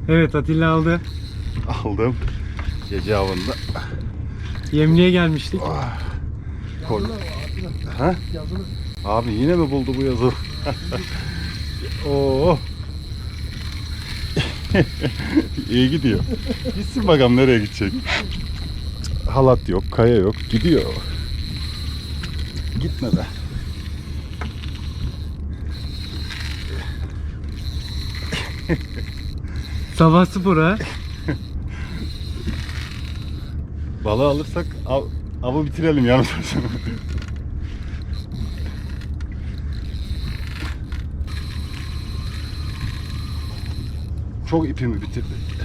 Evet, Atilla aldı. Aldım. Gece avında. Yemliğe gelmiştik. Ha? Abi yine mi buldu bu yazı? Oo. İyi gidiyor. Gitsin bakalım nereye gidecek. Halat yok, kaya yok. Gidiyor. Gitme be. Sabah spora. Balığı alırsak avı bitirelim yarın. Çok ipimi bitirdi.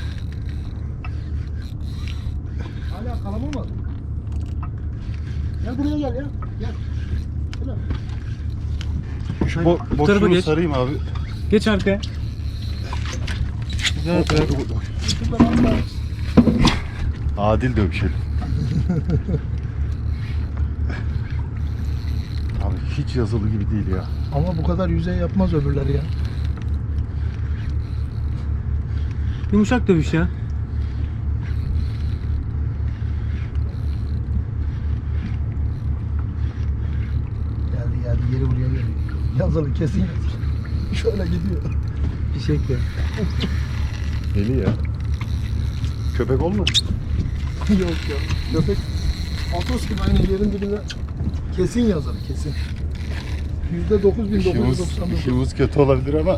Hala kalamamadın. Gel buraya gel ya. Gel. Şöyle. Şu tarafa boşluğunu geç. sarayım abi. Geç arkaya. Güzel bırak. Şuradan atla. Adil dövüşelim. Abi hiç yazılı gibi değil ya. Ama bu kadar yüzey yapmaz öbürleri ya. Yumuşak dövüş ya. Geldi geri buraya geliyor. Yazılı kesin yazılı. Şöyle gidiyor. Fişek de. Deli ya. Köpek olmaz. Yok ya. Köpek Atos gibi aynı yerin dibinde kesin yazılı kesin. %9.999. İşimiz kötü olabilir ama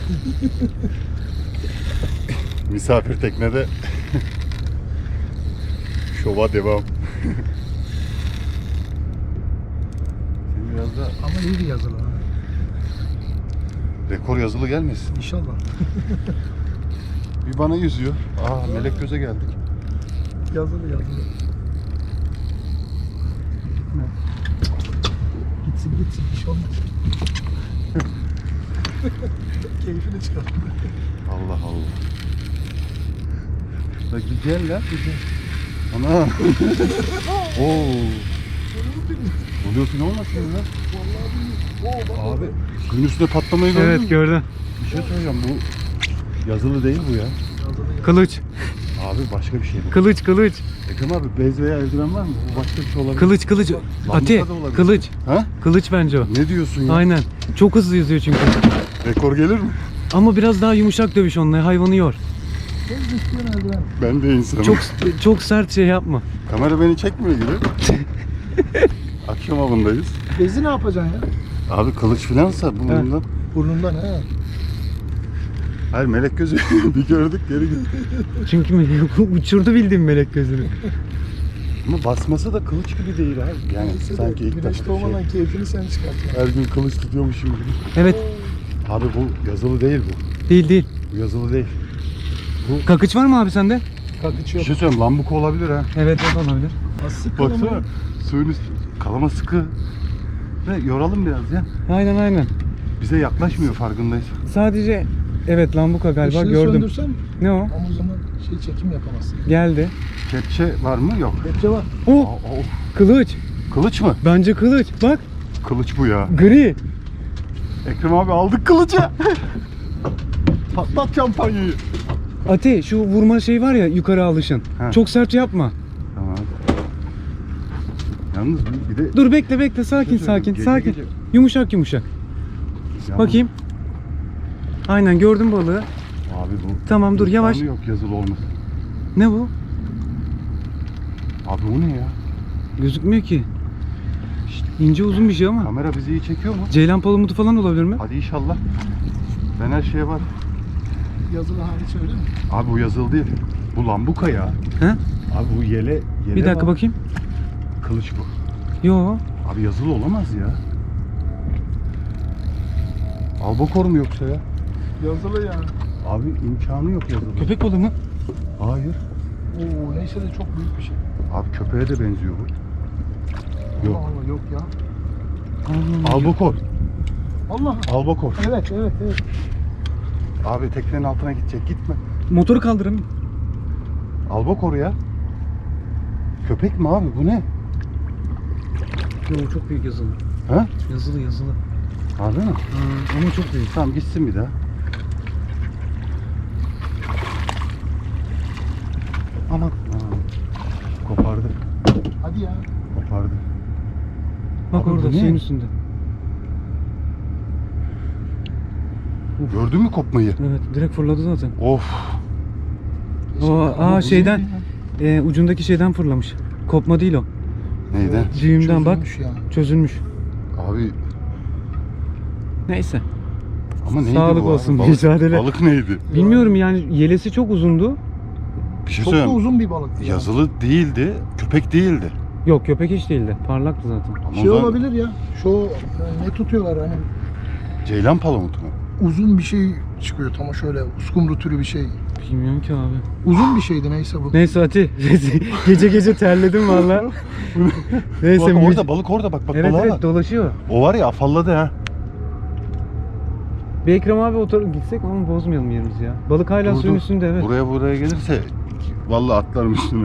misafir teknede şova devam. Senin biraz da Ama iyi bir yazılı ha. rekor yazılı gelmesin. İnşallah. Bir bana yüzüyor. Melek göze geldik. Yazılı. Gitsin bir şey olmaz. Keyfini çıkar. Allah Allah. Bak gel lan. Ana. Oo. Oluyorsun olmasın lan. Abi suyun üstüne patlamayı gördün mü? Evet, gördüm. Bir şey söyleyeceğim, bu yazılı değil bu ya. Kılıç. Abi başka bir şey bu. Kılıç. Ekrem abi bez veya eldiven var mı? Bu başka bir şey olabilir. Kılıç. Ati. da olabilir. Kılıç. Ha? Kılıç bence o. Ne diyorsun ya? Aynen. Çok hızlı yüzüyor çünkü. Rekor gelir mi? Ama biraz daha yumuşak dövüş onunla. Hayvanı yor. Ben de insanım. Çok sert şey yapma. Kamera beni çekmiyor gibi. Akşam avındayız. Bezi ne yapacaksın ya? Abi kılıç filansa burnundan. Burnundan he. Hayır melek gözü bir gördük geri gitti. Çünkü uçurdu bildiğin melek gözünü. Ama basması da kılıç gibi değil abi. Yani Neyse de sanki ilk güneş defa doğmadan keyfini sen çıkartıyorsun. her gün kılıç tutuyormuşum gibi. Evet. Abi bu yazılı değil bu. Değil. Bu yazılı değil. Kakıç var mı abi sende? Kakıç Bir yok. şey söyleyeyim, lambuka olabilir ha. Evet, o da olabilir. Nasıl Baksana suyun üstü kalama sıkı. Ve yoralım biraz ya. Aynen. Bize yaklaşmıyor farkındayız. Sadece evet, lambuka galiba Işığı gördüm. söndürsem Ne o? ama o zaman çekim yapamazsın. Geldi. Kepçe var mı? Yok. Kepçe var. Oh, kılıç. Kılıç mı? Bence kılıç. Bak, Kılıç bu ya. gri. Ekrem abi aldık kılıcı. Patlat şampanyayı. Ati, şu vurma şey var ya, yukarı alışın. Ha. Çok sert yapma. Tamam. Yalnız bir de Dur, bekle. Sakin. Gece- Yumuşak. Ya Bakayım. Aynen, gördüm balığı. Abi bu. Tamam, dur, yavaş. imkanı yok yazılı olması. Ne bu? Abi o ne ya? Gözükmüyor ki. İnce uzun bir şey ama. Kamera bizi iyi çekiyor mu? Ceylan palamutu falan olabilir mi? Hadi inşallah. Ben her şeye var. Yazılı hariç öyle mi? Abi bu yazılı değil. Bu lambuka ya. He? Abi bu yele Bir dakika var. bakayım. Kılıç bu. Yo. Abi yazılı olamaz ya. Albakor mu yoksa ya? Yazılı ya. Abi imkanı yok yazılı. Köpek balığı mı? Hayır. Oo neyse de çok büyük bir şey. Abi köpeğe de benziyor bu. Yok. Allah yok ya. Albakor. Allah. Albakor. Evet. Abi teknenin altına gidecek. Gitme. Motoru kaldırın. Albakor ya. Köpek mi abi? Bu ne? Yo, çok büyük yazılı. Ha? Yazılı. Harbi mi? Ama çok büyük. Tamam gitsin bir daha. Aman. Aa, kopardı. Hadi ya. Kopardı. Bak Abi bu orada ne? suyun üstünde. Gördün mü kopmayı? Evet direkt fırladı zaten. Of. Aa şeyden ucundaki şeyden fırlamış. Kopma değil o. Neyden? Düğümden bak Çözülmüş ya. çözülmüş. Abi Neyse. ama neydi Sağlık bu abi? olsun, mücadele. Balık neydi? Bilmiyorum yani yelesi çok uzundu. Bir şey Çok da söyleyeyim. uzun bir balık. Yazılı değildi, köpek değildi. Yok köpek hiç değildi. Parlaktı zaten. Ama Şey o zaman olabilir ya. Şu ne tutuyorlar hani Ceylan palamutu mu? uzun bir şey çıkıyor tam şöyle uskumru türü bir şey. Bilmiyorum ki abi. Uzun bir şeydi neyse bu. Neyse Ati. Gece gece terledim valla. Neyse. Bak orada balık orada bak Evet balığa evet bak. dolaşıyor. O var ya afalladı ha. Bir Ekrem abi gitsek ama bozmayalım yerimizi ya. Balık hala Dur, suyun dur. üstünde evet. Buraya gelirse vallahi atlarım üstüne.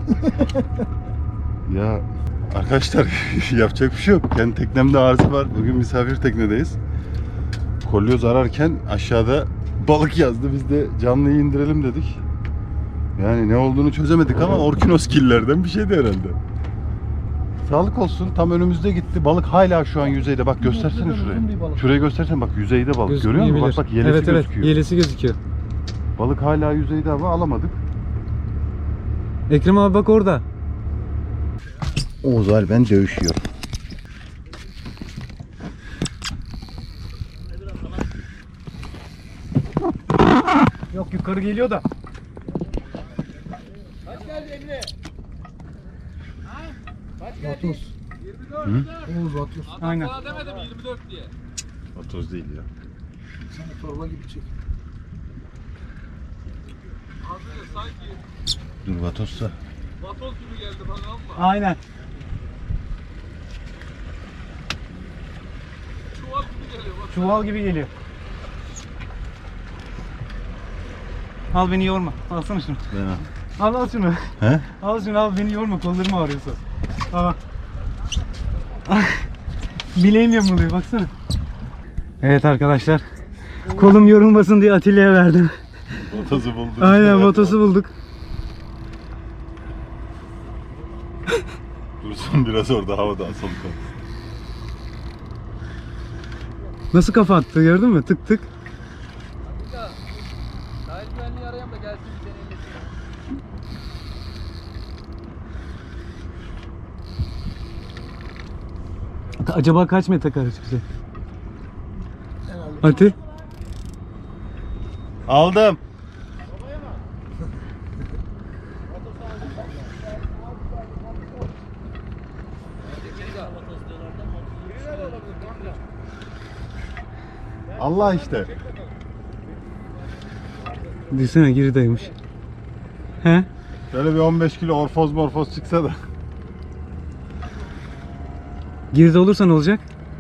Ya arkadaşlar yapacak bir şey yok. Kendi teknemde arıza var. Bugün misafir teknedeyiz. Kolyoz ararken aşağıda balık yazdı. Biz de canlıyı indirelim dedik. Yani ne olduğunu çözemedik ama orkinoskillerden bir şeydi herhalde. Sağlık olsun. Tam önümüzde gitti. Balık hala şu an yüzeyde. Bak göstersene Uzun bir şurayı. balık. Şurayı göstersene bak yüzeyde balık. Görüyor musun? Bak yelesi evet, gözüküyor. Evet yelesi gözüküyor. Balık hala yüzeyde ama alamadık. Ekrem abi bak orada. Oğuz ben dövüşüyor. Yok yukarı geliyor da. Vatos. Hı? Oğuz Vatos. Aynen. Vatoz değil ya. Sana torba gibi çek. Dur Vatos'sa. Aynen. Çuval gibi geliyor. Al beni yorma. Alsana şunu. Ben Al şunu. He? Al şunu al beni yorma. Kollarım ağrıyorsa. Al. Bileğim yamuluyor baksana. Evet arkadaşlar. Kolum yorulmasın diye Atilla'ya verdim. Vatoz'u bulduk. Aynen motosu bulduk. Dursun biraz orada havada asılı kal. Nasıl kafa attı gördün mü? Tık tık. Sahil güvenliği arayayım da gelsin bir deneyimlesin. Acaba kaç metre kare çıkacak? Herhalde. Ati? Aldım. Allah işte. Düşünsene giridaymış. He? Şöyle bir 15 kilo orfoz morfoz çıksa da. Giride olursa ne olacak?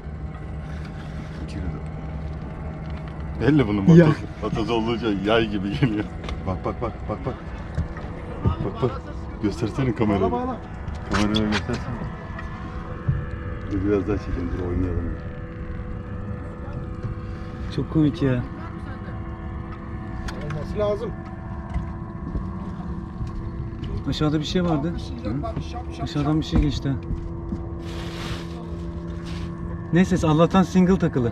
Belli bunun Ya. vatozu. Vatoz olunca yay gibi geliyor. Bak. Bak. Göstersene kamerayı. Bağla. Kameraya göstersene. Dur biraz daha çekelim, dur oynayalım. Çok komik ya. Olması lazım. Aşağıda bir şey vardı. Aşağıdan bir şey geçti. ha. Neyse Allah'tan single takılı.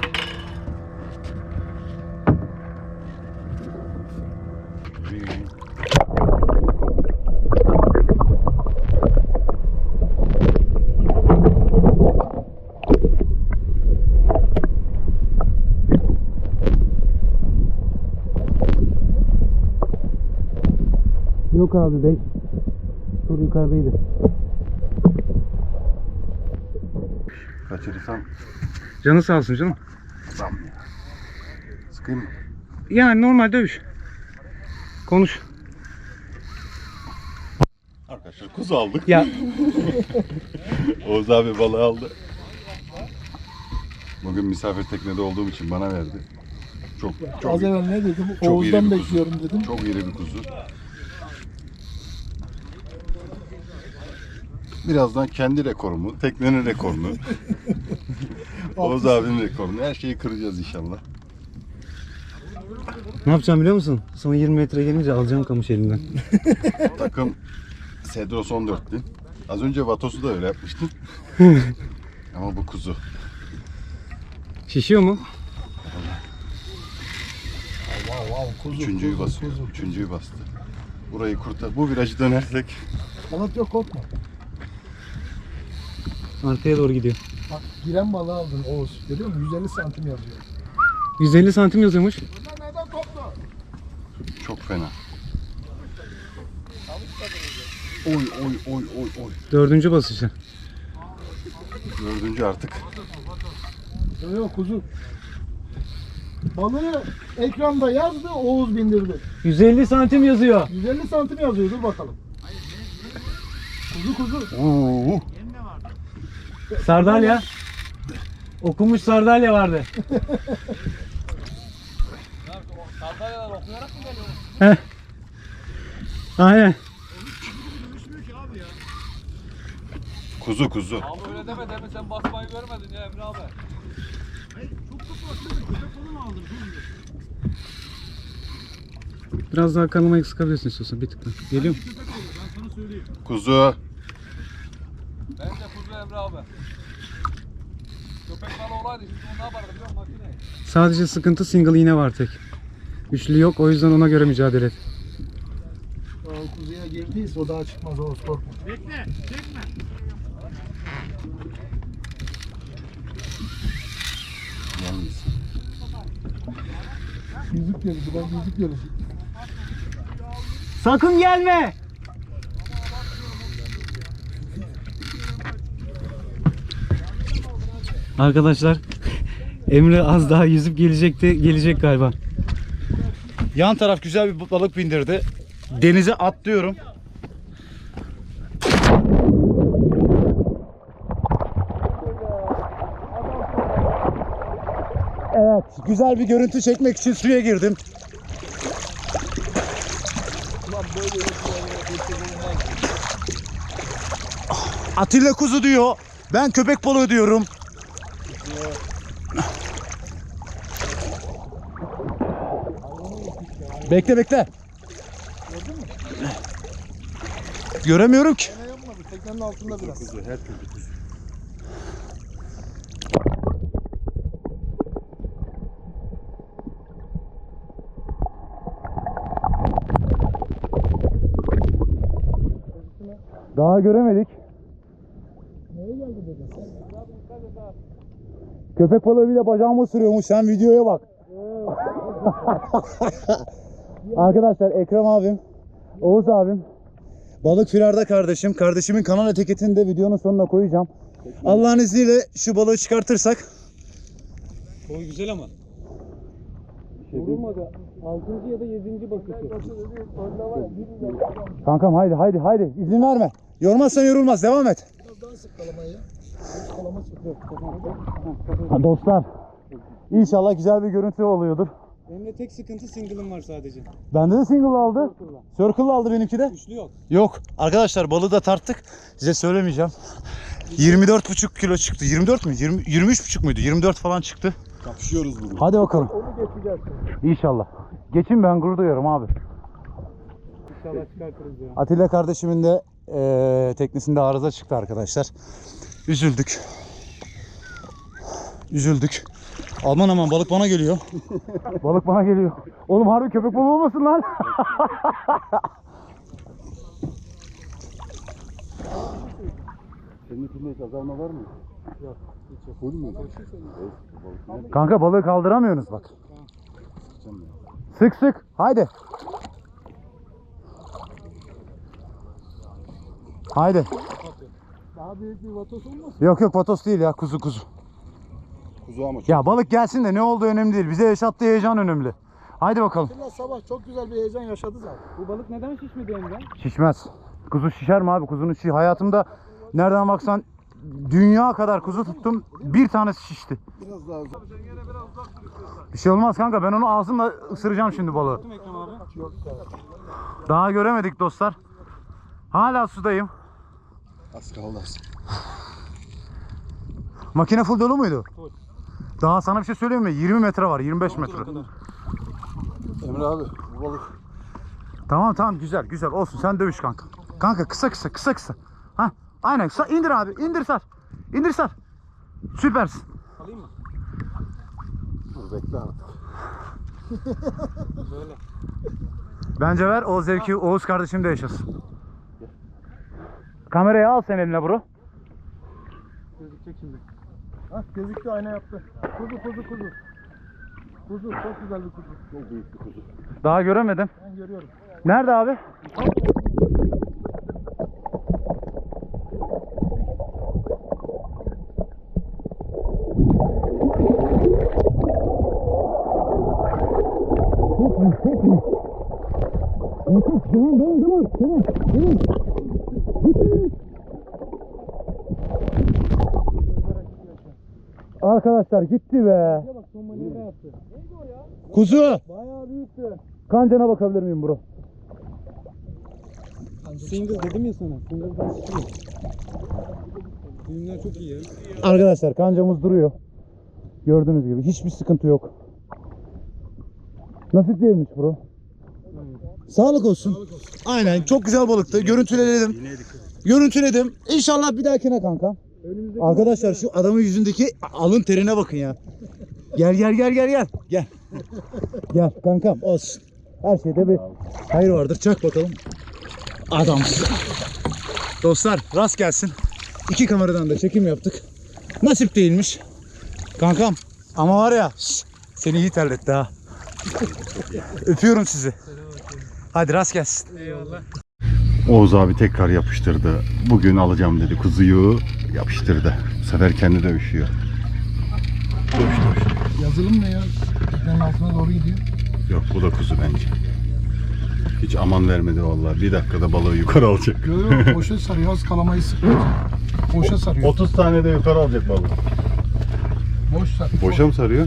Yok abi 5. Tur yukarıdaydı. Kaçırırsam Canı sağ olsun canım. zam ya. Sıkayım mı? Yani normal dövüş. Konuş. Arkadaşlar kuzu aldık. Ya Oğuz abi balığı aldı. Bugün misafir teknede olduğum için bana verdi. Çok Az evvel ne dedim? çok iri Oğuz'dan bir kuzu. bekliyorum dedim. Çok iri bir kuzu. Birazdan kendi rekorumu, teknenin rekorunu, Oğuz abinin rekorunu, her şeyi kıracağız inşallah. Ne yapacağım biliyor musun? Son 20 metre gelince alacağım kamış elinden. Takım Sedros 14'tü. Az önce Vatos'u da öyle yapmıştın. Ama bu kuzu. Şişiyor mu? Kuzu, Üçüncüyü kuzu, basıyor. kuzu. Üçüncüyü bastı. Burayı kurtar. Bu virajı dönersek Balık yok, korkma. Arkaya doğru gidiyor. Bak giren balığı aldın Oğuz. Görüyor musun? 150 santim yazıyor. 150 santim yazıyormuş. Neden koptu? çok fena. Oy oy oy oy oy. 4. basışı. Dördüncü artık. Yok kuzu. Balığı ekranda yazdı, Oğuz bindirdi. 150 santim yazıyor. 150 santim yazıyor, dur bakalım. Kuzu. Oo. Sardalya. Okumuş sardalya vardı. Sardalyalar okuyarak mı geliyor? Heh. Aynen. Kuzu kuzu. Abi öyle deme deme, sen basmayı görmedin ya Emre abi. Biraz daha kanamayı sıkabilirsin istiyorsan bir tık daha. Geliyor mu? Kuzu. Bence kuzu Emre abi. Köpek balığı olaydı şimdi onu ne yapardı biliyor musun makineyi? Sadece sıkıntı single iğne var tek. Üçlü yok, o yüzden ona göre mücadele et. O kuzuya girdiyse o daha çıkmaz, Oğuz korkma. Yalnız. Yüzük yarışı, ben yüzük yarışı. Sakın gelme! Arkadaşlar, Emre az daha yüzüp gelecekti, gelecek galiba. Yan taraf güzel bir balık bindirdi. Denize atlıyorum. Evet, güzel bir görüntü çekmek için suya girdim. Atilla kuzu diyor. Ben köpek balığı diyorum. Bekle bekle. Göremiyorum ki. Ne yapmadı? Teknenin altında biraz. Kuzu her türlü kuzu. Daha göremedik. Neye geldi dedin sen? Köpek balığı bile bacağımı ısırıyormuş. Sen videoya bak. Arkadaşlar Ekrem abim, Oğuz abim, balık firarda kardeşim. Kardeşimin kanal etiketini de videonun sonuna koyacağım. Allah'ın izniyle şu balığı çıkartırsak. O güzel ama. Vurulmadı. 6. ya da 7. basışı. Kankam haydi. İzin verme. Yormazsan yorulmaz. Devam et. Biraz daha sık kalamayı. Kalama sıkıyor. Ha, dostlar. İnşallah güzel bir görüntü oluyordur. Emre tek sıkıntı single'ım var sadece. Bende de single aldı. Circle aldı benimki de. Üçlü yok. Yok. Arkadaşlar balığı da tarttık. Size söylemeyeceğim. 24,5 kilo çıktı. 24 mü? 23,5 muydu? 24 falan çıktı. Kapışıyoruz bugün. Hadi bakalım. Onu geçeceğiz şimdi. İnşallah. Geçin, ben gurur duyuyorum abi. İnşallah çıkartırız ya. Atilla kardeşimin de teknesinde arıza çıktı arkadaşlar. Üzüldük. Aman balık bana geliyor. Balık bana geliyor. Oğlum harbi köpek balığı olmasın lan. Senin içinde hiç azalma var mı? Yok. Hiç yok. Full mü? Kanka balığı kaldıramıyorsunuz bak. Sık. Haydi. Haydi. Daha büyük bir vatos olmasın? Yok vatos değil ya, kuzu. Kuzu ama çok. Ya balık gelsin de ne olduğu önemli değil. Bize yaşattığı heyecan önemli. Haydi bakalım. Atilla sabah çok güzel bir heyecan yaşadı zaten. Bu balık neden şişmedi Emre? Şişmez. Kuzu şişer mi abi? Kuzunun şişi. Hayatımda nereden baksan dünya kadar kuzu tuttum. Bir tanesi şişti. Biraz daha uzak. Bir şey olmaz kanka. Ben onu ağzımla ısıracağım şimdi balığı. Ekrem abi. Yok yani. Daha göremedik dostlar. Hala sudayım. Az kaldı. Makine full dolu muydu? Full. Daha sana bir şey söyleyeyim mi? 20 metre var. 25 metre. Emre Emre abi bu balık. Tamam tamam güzel güzel olsun sen dövüş kanka. Kanka kısa kısa kısa kısa. Ha aynen indir abi indir sar. İndir sar. Süpersin. Alayım mı? Dur bekle artık. Böyle. Bence ver o zevki Oğuz kardeşim de yaşasın. Kamerayı al sen eline bro. Gözükecek şimdi. Hah gözüktü ayna yaptı. Kuzu. Kuzu çok güzel bir kuzu. Çok büyük bir kuzu. Daha göremedim. Ben görüyorum. Nerede abi? Arkadaşlar gitti be. Bak son manevra yaptı. Kuzu. Bayağı büyüktü. Kancana bakabilir miyim bro? Single dedim ya sana. Single'dan çıkıyor. Filmler çok iyi ya. Arkadaşlar kancamız duruyor. Gördüğünüz gibi hiçbir sıkıntı yok. Nasip değilmiş bro. Sağlık olsun. Aynen çok güzel balıktı. Görüntüledim. İnşallah bir dahakine kanka. Arkadaşlar şu adamın yüzündeki alın terine bakın ya. Gel. Gel kankam olsun. Her şeyde bir hayır vardır. Çak bakalım. Adamsın. Dostlar rast gelsin. 2 kameradan da çekim yaptık. Nasip değilmiş. Kankam ama var ya seni iyi terletti ha. Öpüyorum sizi. Hadi rast gelsin. Eyvallah. Oğuz abi tekrar yapıştırdı. Bugün alacağım dedi kuzuyu. Yapıştırdı. Bu sefer kendi dövüşüyor. Yazılım ne ya? Teknenin altına doğru gidiyor. Yok bu da kuzu bence. Hiç aman vermedi vallahi. Bir dakikada balığı yukarı alacak. Görüyor boşa sarıyor. Az kalamayı sıkıyor. Boşa sarıyor. 30 tane de yukarı alacak balığı. Boş sarıyor. Boşa mı sarıyor?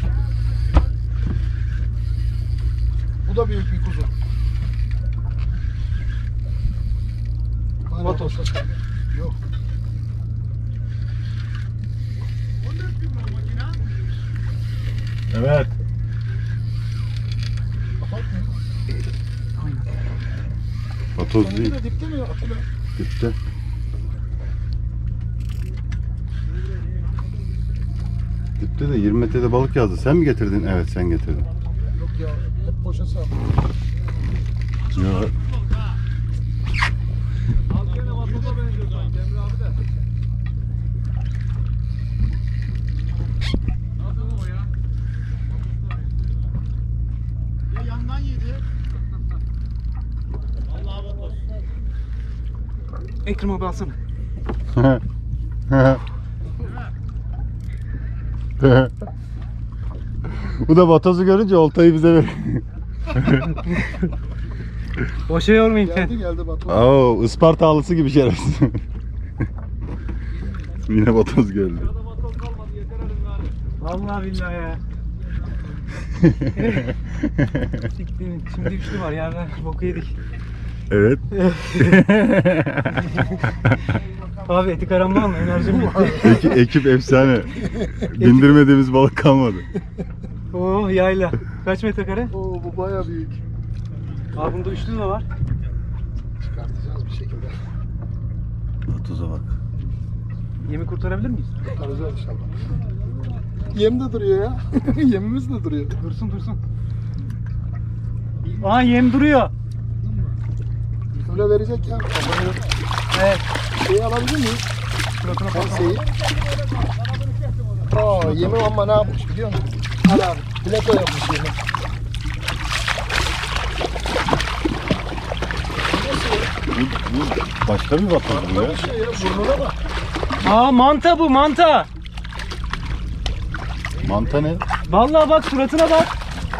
Bu da büyük bir kuzu. Vatos. Yok. Evet. Vatoz değil. Dipte mi Atilla? Dipte. Dipte de 20 metrede balık yazdı. Sen mi getirdin? Evet sen getirdin. Yok ya. Hep boşa sarıyor. Ya, Az gene vatoza benziyor sanki Emre abi de. Nasıl o ya? Ekrem abi alsana. Bu da vatozu görünce oltayı bize ver. Boşa yormayın. Geldi Batu. Oo, Ispartalısı gibi şerefsiz. Yine vatoz geldi. Arada vatoz kalmadı yeter elim gari. Vallahi billahi ya. Siktirin. Şimdi üçlü var yerden boku yedik. Evet. Abi eti karamlar mı? Enerjim bitti. Ekip efsane. Bindirmediğimiz balık kalmadı. Oo yayla. Kaç metrekare? Oo bu bayağı büyük. Abi bunda üçlü de var. Çıkartacağız bir şekilde. Vatoza bak. Yemi kurtarabilir miyiz? Kurtaracağız inşallah. Yem de duruyor ya. Yemimiz de duruyor. Dursun. Aa yem duruyor. Öyle verecek ya. Kafayı. Evet. Şeyi alabilir miyiz? Suratına Penseyi. Aa yemi ama ne yapmış biliyor musun? Al abi. Plato yapmış yemi. Bu başka bir vatoz bu ya. Bir şey ya. Burnuna bak. Aa manta bu manta. Manta ne? Vallahi bak suratına bak.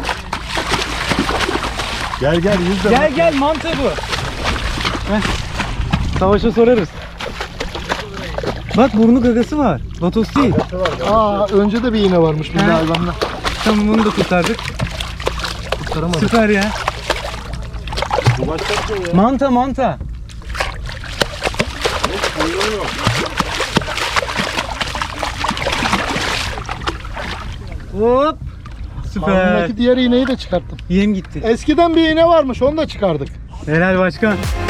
Gel yüzde. Gel manta bu. Heh. Savaşa sorarız. Bak burnu gagası var. Vatos değil. Aa önce de bir iğne varmış bir He. hayvanla. Tamam bunu da kurtardık. Kurtaramadım. Süper ya. Bu başka bir şey ya. Manta. Hop. süper. Ağzındaki diğer iğneyi de çıkarttım. Yem gitti. Eskiden bir iğne varmış, onu da çıkardık. Helal başkan.